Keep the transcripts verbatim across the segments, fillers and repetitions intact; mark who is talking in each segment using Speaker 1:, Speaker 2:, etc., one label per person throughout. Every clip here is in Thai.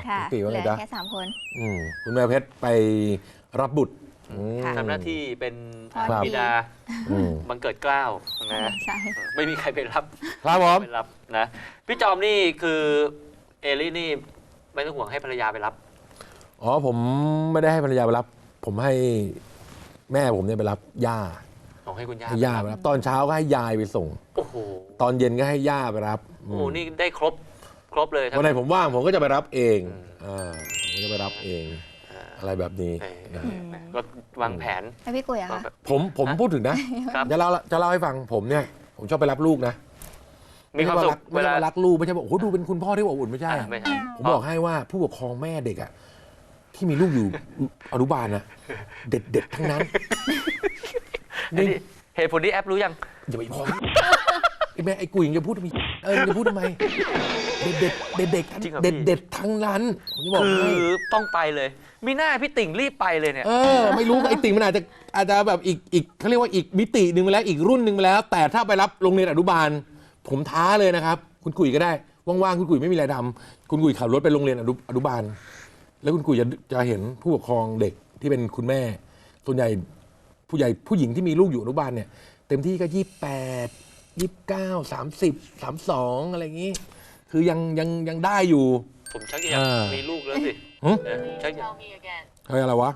Speaker 1: ค่ะเหลือแค่สามคน
Speaker 2: คุณแม่เพชรไปรับบุตร
Speaker 3: ทำหน้าที่เป็นบิดาบังเกิดเกล้านะไม่มีใครไปรับ
Speaker 2: ครับผม
Speaker 3: ไปรับนะพี่จอมนี่คือเอลี่นี่ไม่ต้องห่วงให้ภรรยาไปรับ
Speaker 2: อ๋อผมไม่ได้ให้ภรรยาไปรับผมให้แม่ผมเนี่ยไปรับย่า
Speaker 3: ให้คุณย่า
Speaker 2: ให้ย่าไปรับตอนเช้าก็ให้ยายไปส่ง
Speaker 3: โอ้โห
Speaker 2: ตอนเย็นก็ให้ย่าไปรับ
Speaker 3: โอ้โหนี่ได้ครบครบเลย
Speaker 2: วันไหนผมว่างผมก็จะไปรับเองอ่าผมจะไปรับเองอะไรแบบนี้
Speaker 3: ก็วางแผน
Speaker 1: ให้พี่กุยอะค่ะ
Speaker 2: ผมผมพูดถึงนะจะเล่าจะเล่าให้ฟังผมเนี่ยผมชอบไปรับลูกนะ
Speaker 3: มีความสุข
Speaker 2: เวลารักลูกไม่ใช่บอกโอ้โหดูเป็นคุณพ่อที่อบอุ่นไม่ใช่ผมบอกให้ว่าผู้ปกครองแม่เด็กอะที่มีลูกอยู่อนุบาลนะเด็ดเด็ดทั้งนั้น
Speaker 3: เหตุผลที่แอปรู้ยัง
Speaker 2: อย่าไปพอไอ้แม่ไอ้กุยจะพูดทำไมเออจะพูดทำไมเด็ดเด็ดเด็ดเด็ดเด็ดเด็ดทั้งนั้น
Speaker 3: คือต้องไปเลยมีหน้าพี่ติ่งรีบไปเลยเนี่ย
Speaker 2: เออไม่รู้ไอ้ติ่งมันอาจจะอาจจะแบบอีกอีกเขาเรียกว่าอีกมิติหนึ่งไปแล้วอีกรุ่นหนึ่งไปแล้วแต่ถ้าไปรับโรงเรียนอนุบาลผมท้าเลยนะครับคุณกุยก็ได้ว่างๆคุณกุยไม่มีอะไรทำคุณกุยขับรถไปโรงเรียนอนุบาลแล้วคุณกุยจะจะเห็นผู้ปกครองเด็กที่เป็นคุณแม่ส่วนใหญ่ผู้ใหญ่ผู้หญิงที่มีลูกอยู่อนุบาลเนี่ยเต็มที่ก็ยี่สิบแปดยี่สิบเก้าสามสิบสามสองอะไรอย่างนี้คือยังยังยังได้อยู่
Speaker 3: ผมชักอยากมีลูกแล้วสิชักอยาก
Speaker 2: เฮ้ยอะไรวะ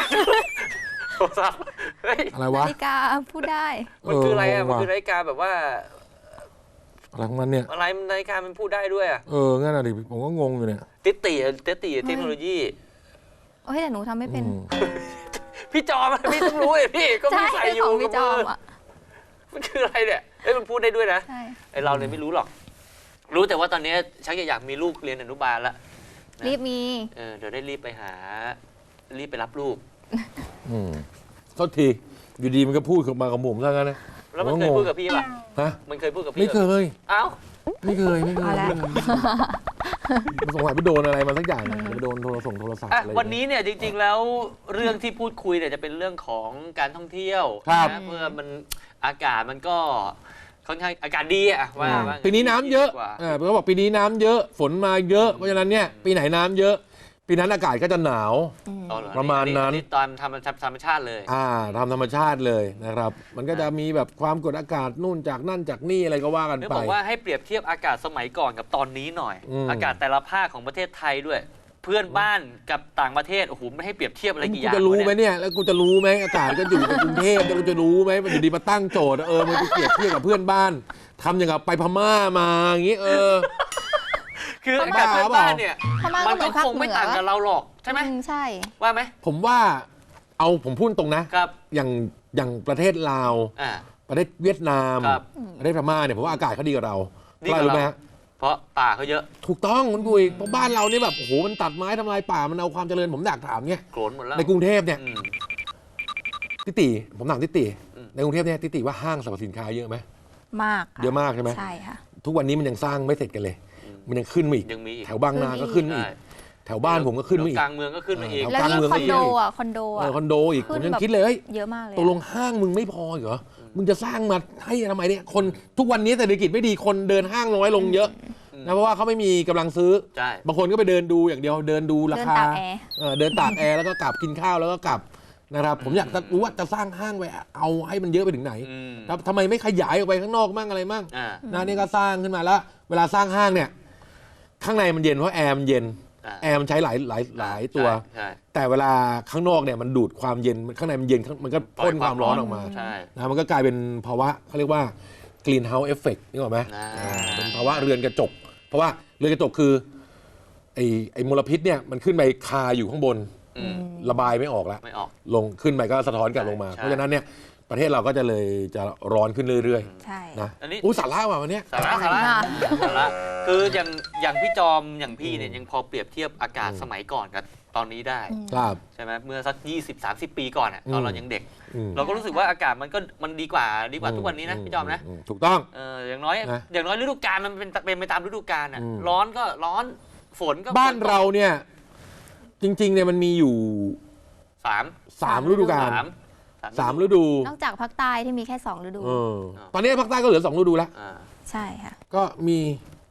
Speaker 2: อะไรวะ
Speaker 1: นาฬิกาพูดได้
Speaker 3: มันคืออะไรอ่ะมันคือนาฬิกาแบบว่า
Speaker 2: อะไรของมันเนี่ย
Speaker 3: อะไรนาฬิกามันพูดได้ด้วยอ่ะ
Speaker 2: เอองั้นอะดิผมก็งงอยู่เนี่ย
Speaker 3: ติติติติเทคโนโลยี
Speaker 1: โอ้ยแต่หนูทำไม่เป็น
Speaker 3: พี่จอมพี่ต้องรู้เลยพี่ก็ไม่ใส่อยู่
Speaker 1: พี่จอมอ่ะ
Speaker 3: มันคืออะไรเนี่ยเอ้ยมันพูดได้ด้วยนะไอเราเนี่ยไม่รู้หรอกรู้แต่ว่าตอนนี้ชักอยากมีลูกเรียนอนุบาลละ
Speaker 1: รีบมี
Speaker 3: เออเดี๋ยวได้รีบไปหารีบไปรับลูก
Speaker 2: อืมโทษทีอยู่ดีมันก็พูดมากับผมซะงั้นนะ
Speaker 3: แล้วมันเคยพูดกับพี่ป่ะฮะมันเคยพูดกับพี่
Speaker 2: ไม่เคย
Speaker 3: เอ้า
Speaker 2: ไม่เคยไม่เคยสงสัยไปโดนอะไรมาสักอย่างไปโดนโทรศัพท์โทรศัพท์อะไร
Speaker 3: วันนี้เนี่ยจริงๆแล้วเรื่องที่พูดคุยเนี่ยจะเป็นเรื่องของการท่องเที่ยวนะเพื่อมันอากาศมันก็ค่อนข้างอากาศดีอะว่า
Speaker 2: ปีนี้น้ำเยอะอ่าเขาบอกปีนี้น้ำเยอะฝนมาเยอะเพราะฉะนั้นเนี่ยปีไหนน้ำเยอะปีนั้นอากาศก็จะหนาวประมาณนั้น
Speaker 3: ตอนทำธรรมชาติเลย
Speaker 2: อ่าทำธรรมชาติเลยนะครับมันก็จะมีแบบความกดอากาศนู่นจากนั่นจากนี่อะไรก็ว่ากันไป
Speaker 3: บอกว่าให้เปรียบเทียบอากาศสมัยก่อนกับตอนนี้หน่อยอากาศแต่ละภาคของประเทศไทยด้วยเพื่อนบ้านกับต่างประเทศโอ้โหไม่ให้เปรียบเทียบอะไรกี่อย่าง
Speaker 2: กูจะรู้ไหมเนี่ยแล้วกูจะรู้ไหมอากาศก็อยู่ในกรุงเทพแล้วกูจะรู้ไหมมันอยู่ดีมาตั้งโจทย์เออมันไปเปรียบเทียบกับเพื่อนบ้านทำอย่างกับไปพม่ามาอย่างงี้เออ
Speaker 3: คืออากาศเพื่อนบ้านเนี่ยมันก็คงไม่ต่างกับเราหรอกใช่ไหม
Speaker 1: ใช่
Speaker 3: ว่าไหม
Speaker 2: ผมว่าเอาผมพูดตรงนะครับอย่างอย่างประเทศลาวประเทศเวียดนามประเทศพม่าเนี่ยผมว่าอากาศเขาดีกว่าเราดีกว่าเรา
Speaker 3: เพราะป่าเขาเยอะ
Speaker 2: ถูกต้องคุณกุยเพราะบ้านเราเนี่ยแบบโอ้โหมันตัดไม้ทำลายป่ามันเอาความเจริญผมอยากถามเนี่ย
Speaker 3: โกรธหมดแล้ว
Speaker 2: ในกรุงเทพเนี่ยติติผมถามติติในกรุงเทพเนี่ยติติว่าห้างสรรพสินค้าเยอะไหม
Speaker 1: มาก
Speaker 2: เยอะมากใช่ไหม
Speaker 1: ใช่ค่ะ
Speaker 2: ทุกวันนี้มันยังสร้างไม่เสร็จกันเลยมันยังขึ้นมาอีกแถวบางนาก็ขึ้นมาอีกแถวบ้านผมก็ขึ้นมาอีก
Speaker 3: กลางเมืองก็ขึ้นมาอีก
Speaker 1: แล้วนี่คอนโดอ่ะคอนโดอ่ะ
Speaker 2: คอนโดอีกผมยังคิดเลย
Speaker 1: เยอะมากเลย
Speaker 2: ตกลงห้างมึงไม่พอเหรอมึงจะสร้างมาให้ทำไมเนี่ยคนทุกวันนี้เศรษฐกิจไม่ดีคนเดินห้างน้อยลงเยอะนะเพราะว่าเขาไม่มีกำลังซื้อบางคนก็ไปเดินดูอย่างเดียวเดินดูราคาเดินตากแอร์แล้วก็กลับกินข้าวแล้วก็กลับนะครับผมอยากจะรู้ว่าจะสร้างห้างไว้เอาให้มันเยอะไปถึงไหนทำไมไม่ขยายออกไปข้างนอกมั่งอะไรมั่งนะนี่ก็สร้างขึ้นมาแล้วเวลาสร้างห้างเนี่ยข้างในมันเย็นเพราะแอร์มันเย็นแอร์มันใช้หลายหลายหลายตัวแต่เวลาข้างนอกเนี่ยมันดูดความเย็นข้างในมันเย็นมันก็พ่นความร้อนออกมานะมันก็กลายเป็นภาวะเขาเรียกว่า greenhouse effect นี่หรอไหมเป็นภาวะเรือนกระจกเพราะว่าเรือนกระจกคือไอ้ไอ้มลพิษเนี่ยมันขึ้นไปคาอยู่ข้างบนระบายไม่ออกแล้วลงขึ้นไปก็สะท้อนกลับลงมาเพราะฉะนั้นเนี่ยประเทศเราก็จะเลยจะร้อนขึ้นเรื่อยๆนะอันนี้อู้สาระว่ะวันนี้
Speaker 3: สาระสาระสาระคืออย่างอย่างพี่จอมอย่างพี่เนี่ยยังพอเปรียบเทียบอากาศสมัยก่อนกับตอนนี้ได้ใช่ไหมเมื่อสัก ยี่สิบ สามสิบ ปีก่อนอ่ะตอนเรายังเด็กเราก็รู้สึกว่าอากาศมันก็มันดีกว่าดีกว่าทุกวันนี้นะพี่จอมนะ
Speaker 2: ถูกต้อง
Speaker 3: เอออย่างน้อยอย่างน้อยฤดูกาลมันเป็นเป็นไปตามฤดูกาลอ่ะร้อนก็ร้อนฝนก็
Speaker 2: บ้านเราเนี่ยจริงๆเนี่ยมันมีอยู่
Speaker 3: สาม
Speaker 2: สามฤดูกาลสามฤดู
Speaker 1: นอกจากภาคใต้ที่มีแค่สองฤดู
Speaker 2: ตอนนี้ภาคใต้ก็เหลือสองฤดูแล้ว
Speaker 1: ใช่ค่ะ
Speaker 2: ก็มี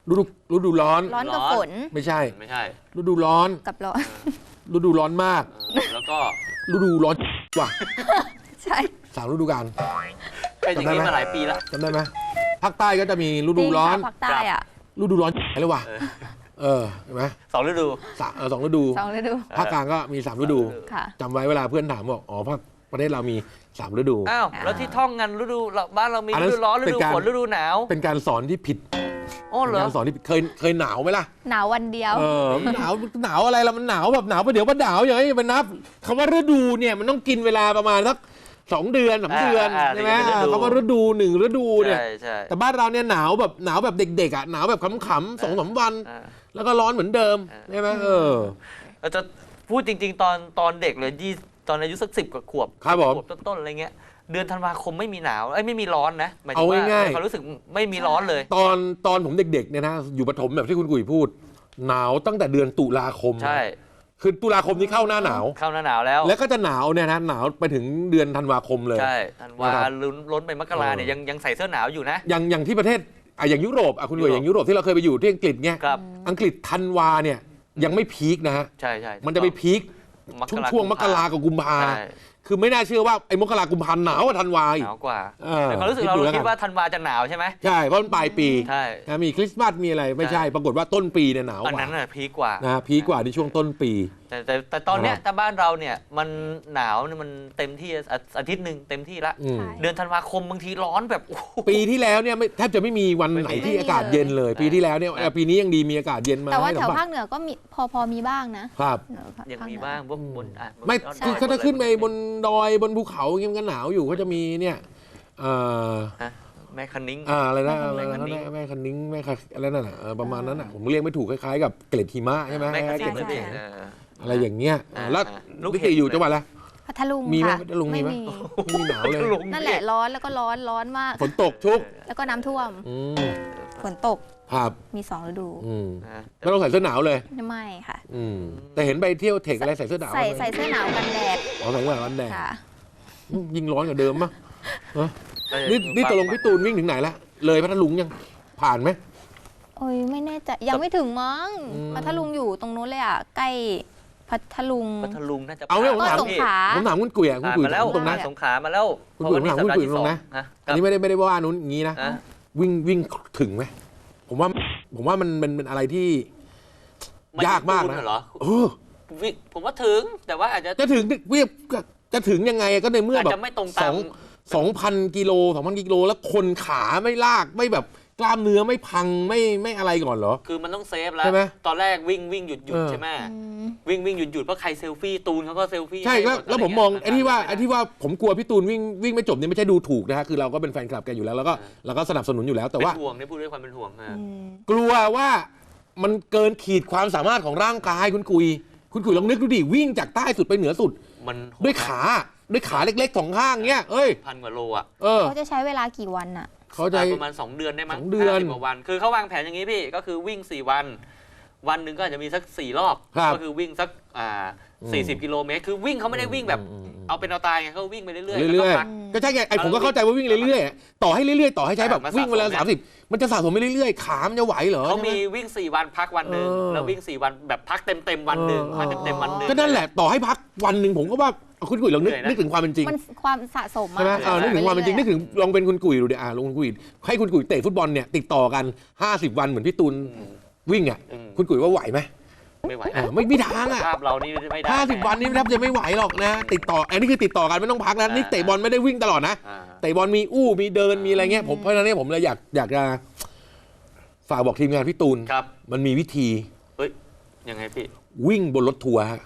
Speaker 2: ฤดูฤดูร้อน
Speaker 1: ร้อนกับฝน
Speaker 2: ไม่ใช่
Speaker 3: ไม่ใช่
Speaker 2: ฤดูร้อน
Speaker 1: กับร้อน
Speaker 2: ฤดูร้อนมาก
Speaker 3: เออแล้วก็
Speaker 2: ฤดูร้อนกว่า
Speaker 1: ใช่
Speaker 2: สามฤดูกาล
Speaker 3: เป็นอย่างนี้
Speaker 2: จำได้ไหม
Speaker 3: มาหลายปีแล้ว
Speaker 2: จำได้ไหมภาคใต้ก็จะมีฤดูร้อน
Speaker 1: จงค่ะภาคใต้อ่ะ
Speaker 2: ฤดูร้อนเลยว่ะ
Speaker 3: เออ
Speaker 2: เออเห็นไหม
Speaker 3: สองฤดู
Speaker 2: สามเออสองฤดู
Speaker 1: สองฤดู
Speaker 2: ภาคกลางก็มีสามฤดู
Speaker 1: ค่ะ
Speaker 2: จำไว้เวลาเพื่อนถามบอกอ๋อภาคประเทศเรามีสามฤดู
Speaker 3: อ้าว แล้วที่ท่องกันฤดูเราบ้านเรามี
Speaker 2: อันนั้
Speaker 3: ฤ
Speaker 2: น
Speaker 3: ดูร้อนฤ
Speaker 2: เป็น
Speaker 3: ดู
Speaker 2: การ
Speaker 3: ฝนฤดูหนาว
Speaker 2: เป็นการสอนที่ผิด
Speaker 3: โอ้เหร
Speaker 2: เป็น
Speaker 3: อ
Speaker 2: การสอนที่ผิดเคยเคยหนาวไหมล่ะ
Speaker 1: หนาววันเดียว
Speaker 2: เออหนาวหนาวอะไรล่ะมันหนาวแบบหนาวประเดี๋ยวประดาวอย่างนี้มันนับคำว่าฤดูเนี่ยมันต้องกินเวลาประมาณสักสองเดือนสามเดือน
Speaker 3: อ่า
Speaker 2: ใช่ไหม
Speaker 3: ถึงจะเป็นฤดู
Speaker 2: คำว่าฤดูหนึ่งฤดูเนี่ย
Speaker 3: ใช่ใช่
Speaker 2: แต่บ้านเราเนี่ยหนาวแบบหนาวแบบเด็กๆอ่ะหนาวแบบขำๆสองสามวัน
Speaker 3: อ่า
Speaker 2: แล้วก็ร้อนเหมือนเดิมใช่ไหมเออ
Speaker 3: เราจะพูดจริง ๆ ตอนตอนเด็กเลยยี่ตอนอายุสักสิบกว่าขวบ
Speaker 2: ครับผม
Speaker 3: ขวบต้นๆอะไรเงี้ยเดือนธันวาคมไม่มีหนาวไอ้ยไม่มีร้อนนะหมายถึ
Speaker 2: เอา
Speaker 3: งว่า
Speaker 2: ง่ายๆ
Speaker 3: ในความรู้สึกไม่มีร้อนเลย
Speaker 2: ตอนตอนผมเด็กๆเนี่ยนะอยู่ประถมแบบที่คุณกุ๋ยพูด หนาวตั้งแต่เดือนตุลาคม
Speaker 3: ใช่
Speaker 2: คือตุลาคมนี้เข้าหน้าหนาว
Speaker 3: เข้าหน้าหนาวแล้ว
Speaker 2: แล้วก็จะหนาวเนี่ยนะหนาวไปถึงเดือนธันวาคมเลย
Speaker 3: ใช่ธันวา
Speaker 2: นะครับ
Speaker 3: ลุ้นล้นไปมกราเนี่ย
Speaker 2: เออ
Speaker 3: ยังยังใส่เสื้อหนาวอยู่นะ
Speaker 2: อย่างอย่างที่ประเทศอ่ะอย่างยุโรปอ่ะคุณกุ๋ย
Speaker 3: ยุโรป
Speaker 2: อย่างยุโรปที่เราเคยไปอยู่ที่อังกฤษเนี่ย
Speaker 3: ครับ
Speaker 2: อังกฤษธันวาเนี่ยยังไม่พีคนะฮะ
Speaker 3: ใช่ใช่
Speaker 2: มันจะไปพีค
Speaker 3: มก
Speaker 2: ช่วง
Speaker 3: รา
Speaker 2: ช่วงมกรากับกุมภา
Speaker 3: ใช่
Speaker 2: คือไม่น่าเชื่อว่าไอ้มกรากุมภาหนาวกว่าธันวาอี
Speaker 3: ห
Speaker 2: ก
Speaker 3: นาวกว่า
Speaker 2: เออ
Speaker 3: แต่ความรู้สึกเรา
Speaker 2: คิดดูแล้ว
Speaker 3: เราคิ
Speaker 2: กั
Speaker 3: ด
Speaker 2: น
Speaker 3: ว่าธันวาจะหนาวใช่ไหม
Speaker 2: ใช่เพราะมันปลายปี
Speaker 3: ใช่
Speaker 2: นะมีคริสต์มาสมีอะไรไม่ใช่ ปรากฏว่าต้นปีเนี่ยหนาว
Speaker 3: อัน
Speaker 2: กว่า
Speaker 3: นั้นน่ะพีคกว่า
Speaker 2: นะพีคกว่าที่ช่วงต้นปี
Speaker 3: แต่แต่แต่ตอนเนี้ย
Speaker 2: นะครับ
Speaker 3: ถ้าบ้านเราเนี่ยมันหนาวเนี่ยมันเต็มที่อาอาทิตย์หนึ่งเต็มที่ละ
Speaker 2: อืม
Speaker 1: ใช่
Speaker 3: เดือนธันวาคมบางทีร้อนแบบโอ้โห
Speaker 2: ปีที่แล้วเนี่ยไม่แทบจะไม่มีวันไหนที่อากาศเย็นเลย ปีที่แล้วเนี่ยเออปีนี้ยังดีมีอากาศเย็นมา
Speaker 1: แต่ว่า
Speaker 2: ให้
Speaker 1: แถ
Speaker 2: สั
Speaker 1: ว
Speaker 2: มผั
Speaker 1: ภา
Speaker 2: ส
Speaker 1: คเหนือก็มีพอพอมีบ้างนะครับ เหนือภค
Speaker 3: ยังมี
Speaker 1: เหนือ
Speaker 3: บ้างพวกบนอ่ะ
Speaker 2: ไม่
Speaker 3: บน
Speaker 2: คือ
Speaker 3: ดย
Speaker 2: เขาจะขึ้นไป
Speaker 3: อะไร
Speaker 2: บนดอยบนภูเขาอย่างเงี้ยมันก็หนาวอยู่เขาจะมีเนี่ยเอ่อ
Speaker 3: ฮะแม่คันนิ้ง
Speaker 2: อ่าอะไรนะ
Speaker 3: แม่
Speaker 2: อะไร
Speaker 3: คัน
Speaker 2: นะ
Speaker 3: นิ้ง
Speaker 2: แม่คันนิ้งแม่คันอะไรนั่นน่ะเออประมาณนั้นน่ะผมเรียกไม่ถูกคล้ายๆกับเกล็ดหิมะใช่ไหม
Speaker 3: แม่คัน
Speaker 2: เก
Speaker 3: นิ้
Speaker 2: ล็
Speaker 3: ง
Speaker 2: ด
Speaker 3: เลย
Speaker 2: น้ำแข็ง
Speaker 3: เออ
Speaker 2: อะไรอย่างเงี้ย
Speaker 3: อ่า
Speaker 2: แล้ว
Speaker 3: อ่าลูก
Speaker 2: นิ
Speaker 3: เห็
Speaker 2: ติ
Speaker 3: บ
Speaker 2: อยู่
Speaker 3: เลย
Speaker 2: จังหวัดอะไร
Speaker 1: พัทลุง
Speaker 2: มีไหม
Speaker 1: ค่ะ
Speaker 2: พัทลุงมีไหม ไม่มีหนาวเลย
Speaker 1: นั่นแหละร้อนแล้วก็ร้อนร้อนมาก
Speaker 2: ฝนตกชุก
Speaker 1: แล้วก็น้ำท่วม
Speaker 2: อืม
Speaker 1: ฝนตก
Speaker 2: ครับ
Speaker 1: มีสองฤดู
Speaker 2: อืม
Speaker 3: นะ
Speaker 2: ไม่ต้องใส่เสื้อหนาวเลย
Speaker 1: ไม่ค่ะ
Speaker 2: อืมแต่เห็นไปเที่ยวเทคอะไรใส่เสื้อหนาว
Speaker 1: ใส่
Speaker 2: ไหม
Speaker 1: ใส่เสื้อหนาวกันแดด
Speaker 2: อ๋อใส่เสื้อหนาวกันแดด
Speaker 1: ค่ะ
Speaker 2: อืมยิ่งร้อนกว่าเดิมมั้ง
Speaker 3: แล้ว
Speaker 2: นี่นี่ตกลง
Speaker 3: ฝั่
Speaker 2: พี่ตูนวิ่งถึงไหนละเลยพัทลุงยังผ่านไหม
Speaker 1: โอ้ยไม่แน่ใจยังไม่ถึงมั้ง
Speaker 2: อืม
Speaker 1: พัทลุงอยู่ตรงนู้นเลยอ่ะใกล้พัทลุง
Speaker 3: พัทลุงน่าจะ
Speaker 2: เอาเนี่ยผม
Speaker 1: ก็
Speaker 2: ถาม
Speaker 1: สงขลา
Speaker 2: ผมถามคุณกุ๋ยอ่ะคุณ
Speaker 3: ผ่าน
Speaker 2: กุ๋ย
Speaker 3: มาแล้ว
Speaker 2: ตรงนะ
Speaker 3: สงขลามาแล้ว
Speaker 2: คุณกุ๋ย
Speaker 3: เพราะว่า
Speaker 2: ผมถามคุณกุ๋ย
Speaker 3: นี่สัปดาห์ที่
Speaker 2: ตรงนะ
Speaker 3: สอฮ
Speaker 2: อันนี้ไม่ได้ไม่ได้ว่านู้นอย่างนี้นะ
Speaker 3: อ่ะ
Speaker 2: วิ่งวิ่งถึงไหมผมว่าผมว่ามันเป็นเป็นอะไรที่
Speaker 3: ไม่
Speaker 2: ยากมากนะ
Speaker 3: ถึงเหรอ
Speaker 2: เออ
Speaker 3: วิ่งผมว่าถึงแต่ว่าอาจจะ
Speaker 2: จะถึงวิ่งจะถึงยังไงก็ในเมื่อ
Speaker 3: อาจ
Speaker 2: แบบ
Speaker 3: จะไม่ตรง
Speaker 2: ส
Speaker 3: ตา
Speaker 2: อ
Speaker 3: ม
Speaker 2: งสองพันกิโลสองพันกิโลแล้วคนขาไม่ลากไม่แบบกล้ามเนื้อไม่พังไม่ไม่อะไรก่อนเหรอ
Speaker 3: คือมันต้องเซฟแล้ว
Speaker 2: ใช่ไหม
Speaker 3: ตอนแรกวิ่งวิ่งหยุดหยุด
Speaker 2: เออ
Speaker 3: ใช่ไหม
Speaker 1: อืม
Speaker 3: วิ่งวิ่งหยุดหยุดเพราะใครเซลฟี่ตูนเขาก็เซลฟี่
Speaker 2: ใช่แล้ว
Speaker 3: ให้หด
Speaker 2: แล้วผม
Speaker 3: ะร
Speaker 2: มอง
Speaker 3: เย
Speaker 2: ไอ้ที่ว่า
Speaker 3: ม่ด้
Speaker 2: ไอ้ที่ว่าผมกลัวพี่ตูนวิ่งวิ่งไม่จบนี่ไม่ใช่ดูถูกนะฮะคือเราก็เป็นแฟนคลับแกอยู่แล้วแล้วก็เราก็สนับสนุนอยู่แล้วแต่ว่า
Speaker 3: เป็นห่วงนี่พูดด้วยความเป็นห่วงอ่ะ
Speaker 1: อืม
Speaker 2: กลัวว่ามันเกินขีดความสามารถของร่างกายคุณกุย คุณกุยลองนึกดูดิวิ่งจากใต้สุดไปเหนือสุด
Speaker 3: มัน
Speaker 2: ด้วยขาด้วยขาเล็กๆสองข้างเงี้ยเอ้ย
Speaker 3: พันกว่าโลอ่ะ
Speaker 2: เออ
Speaker 1: เขาจะใช้เวลากี่วันอ่ะ
Speaker 2: เขาใจ
Speaker 3: ประมาณสองเดือนได้มั้ง
Speaker 2: สองเดือน
Speaker 3: ห้าสิบกว่าวัน คือเขาวางแผนอย่างนี้พี่ก็คือวิ่งสี่วัน วันหนึ่งก็อาจจะมีสักสี่รอบ
Speaker 2: ครับ
Speaker 3: ก็คือวิ่งสักอ่า
Speaker 2: อืม
Speaker 3: สี่สิบกิโลเมตรคือวิ่งเขาไม่ได้วิ่งแบบ
Speaker 2: อืมอืม
Speaker 3: เอาเป็นเอาตายไงเขาวิ่งไปเรื่อยๆ
Speaker 2: เรื่อย
Speaker 3: แล้วก็พัก
Speaker 2: ๆก็ใช่ไงไอ้ผมก็เข้าใจว่าวิ่งเรื่อยๆต่อให้เรื่อยๆต่อให้ใช้แบบ
Speaker 3: มาสะสม
Speaker 2: วิ่งเวลาสามสิบมันจะสะสมไปเรื่อยๆขามันจะไหวเหรอ
Speaker 3: เขามี
Speaker 2: ใช่ไห
Speaker 3: วิ่งสี่วันพักวันหนึ่ง
Speaker 2: เออ
Speaker 3: แล้ววิ่งสี่วันแบบพักเต็มเต็มๆวันหนึ่ง
Speaker 2: เออ
Speaker 3: พักเต็มเต็มๆวันหนึ่ง
Speaker 2: ก็นั่นแหละต่อให้พักวันหนึ่งผมก็ว่าคุณกุยลองนึก
Speaker 3: เหนื่อยนะ
Speaker 2: นึกถึงความเป็นจริง
Speaker 1: มันความสะสม
Speaker 2: ใช่ไหม
Speaker 1: อะ
Speaker 2: เออนึกถึงความเป็นจริงนึกถึงลองเป็นคุณกุยดูดิอ่าลองคุณกุยให้คุณกุยเตะฟุตบอลเนี่ยติดต่อกันห้าสิบวันเหมือนพี่ตูน
Speaker 3: อืม
Speaker 2: วิ่งอ่ะ
Speaker 3: อืม
Speaker 2: คุณกุยว่าไหวไหม
Speaker 3: ไม่ไหว
Speaker 2: เออไม่มีทางอ่ะ
Speaker 3: ภาพเรานี่ไม่ได้
Speaker 2: ห้าสิบวันนี้แทบจะไม่ไหวหรอกนะ ติดต่ออันนี้คือติดต่อกันไม่ต้องพักนะนี่เตะบอลไม่ได้วิ่งตลอดนะ
Speaker 3: อ่า
Speaker 2: เตะบอลมีอู้มีเดินมีอะไรเงี้ยผมเพราะฉะนั้นเนี่ยผมเลยอยากอยากจะฝากบอกทีมงานพี่ตูน
Speaker 3: ครับ
Speaker 2: มันมีวิธี
Speaker 3: เฮ้ยยังไงพี่
Speaker 2: วิ่งบนรถทัวร์ฮะ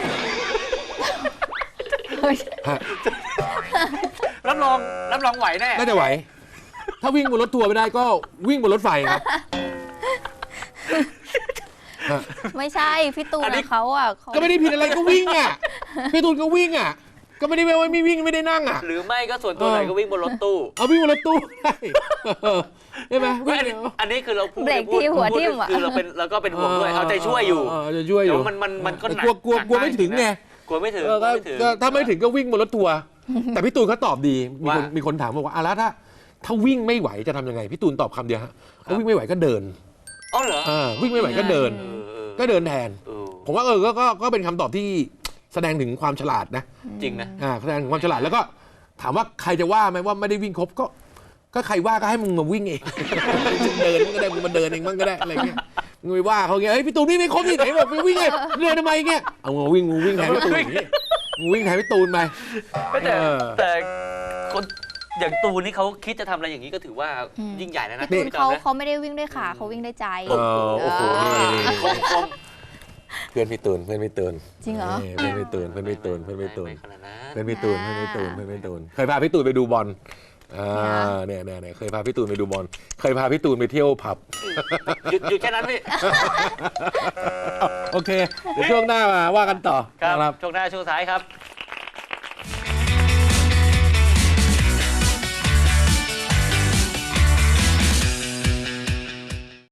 Speaker 1: เฮ้ย
Speaker 2: ฮะ
Speaker 3: รับรองรับรองไหวแน่
Speaker 2: น่าจะไหว ถ้าวิ่งบนรถทัวร์ไม่ได้ก็วิ่งบนรถไฟครับฮะ
Speaker 1: ไม่ใช่พี่ตูน
Speaker 3: อันนี้
Speaker 1: อะเขาอ่ะเขา
Speaker 2: ก็ไม่ได้ผิดอะไรก็วิ่งอ่ะพี่ตูนก็วิ่งอ่ะ ก็ไม่ได้แปลว่าไม่วิ่งไม่ได้นั่งอ่ะ
Speaker 3: หรือไม่ก็ส่วนตัว
Speaker 2: เออ
Speaker 3: ไหนก็วิ่งบนรถตู้
Speaker 2: เอาวิ่งบนรถตู้ได้เออใช่ไหมวิ่ง
Speaker 3: อัน
Speaker 2: เดี๋
Speaker 3: นี้
Speaker 2: ยว
Speaker 3: อันนี้คือเราพูด
Speaker 1: เบรก
Speaker 3: พูด
Speaker 1: ที่หัว
Speaker 3: พูด
Speaker 1: ทิ่มอ่ะ
Speaker 3: คือเราเป็นเราก็เป็นห่วงด้วยเอาใจช่วยอยู่
Speaker 2: เเจะช่วยอ
Speaker 3: เดี๋ย
Speaker 2: ยู่
Speaker 3: วมันมันมันก็หนัก
Speaker 2: กลัวกลัว
Speaker 3: หนั
Speaker 2: กลัวไม่ถึงไง
Speaker 3: กลัวไม่ถึง
Speaker 2: เออก
Speaker 3: ลั
Speaker 2: ก็
Speaker 3: วไม่ถึง
Speaker 2: ก็ถ้าไม่ถึงก็วิ่งบนรถทัวร์แต่พี่ตูนเขาตอบดีมีคน
Speaker 3: ว่า
Speaker 2: มีคนถามบอกว่าอ่ะแล้วถ้าถ้าวิ่งไม่ไหวจะทำยังไงพี่ตูนตอบคำเดียวฮะ
Speaker 3: ครับ
Speaker 2: ถ้าวิ่งไม่ไหวก็เดิน
Speaker 3: อ๋อเหรอ
Speaker 2: อ่าวิ่งไม่ไหวก็เดิน
Speaker 3: เออเออ
Speaker 2: ก็เดินแทน
Speaker 3: เออ
Speaker 2: ผมว่าเออก็ก็ก็เป็นคำตอบที่แสดงถึงความฉลาดนะ
Speaker 3: จริงนะ
Speaker 2: อ่าแสดงถึงความฉลาดแล้วก็ถามว่าใครจะว่าไหมว่าไม่ได้วิ่งครบก็ ก็ใครว่าก็ให้มึงมาวิ่งเอง มึงเดินมึงก็ได้มึงมาเดินเองมั่งก็ได้อะไรเงี้ยมึงไปว่าเขาเงี้ยเฮ้ยพี่ตูนวิ่งไม่ครบที่ไหนบอกไปวิ่งไงเดินทำไมเงี้ยเอามึงวิ่งมึงวิ่งแทนพี่ตูนอย่างงี้มึงวิ่งแทนพี่ตูนไป
Speaker 3: แต่
Speaker 2: เออ
Speaker 3: แต่คนอย่างตูนนี่เขาคิดจะทำอะไรอย่างนี้ก็ถือว่า
Speaker 1: อืม
Speaker 3: ยิ่งใหญ่แล้วนะ
Speaker 1: ตูน
Speaker 3: พี่จอ
Speaker 1: เขา
Speaker 3: มนะ
Speaker 1: เขาไม่ได้วิ่งด้วยขาเขาวิ่งด้วยใจ
Speaker 2: เออโอ้โหนี่นี่
Speaker 3: คมคม
Speaker 2: เพื่อนพี่ตูนเพื่อนพี่ตูน
Speaker 1: จริงเหรอ
Speaker 2: นี่เพื่อนพี่ตูนเพื่อนพี่ตูนเพื่อนพี่ตูน
Speaker 3: ไม่ขนาดนั้น
Speaker 2: เพื่อนพี่ตูนเพื่อนพี่ตูนเพื่อนพี่ตูนเคยพาพี่ตูนไปดูบอลอ่าเนี่ยเนี่ยเนี่ยเคยพาพี่ตูนไปดูบอลเคยพาพี่ตูนไปเที่ยวผับ
Speaker 3: หยุดหยุดแค่นั้นพี่
Speaker 2: โอเคเดี๋ยวช่วงหน้ามาว่ากันต่อ
Speaker 3: ครับ
Speaker 2: นะครับ
Speaker 3: ช่วงหน้าช่วงท้ายครับ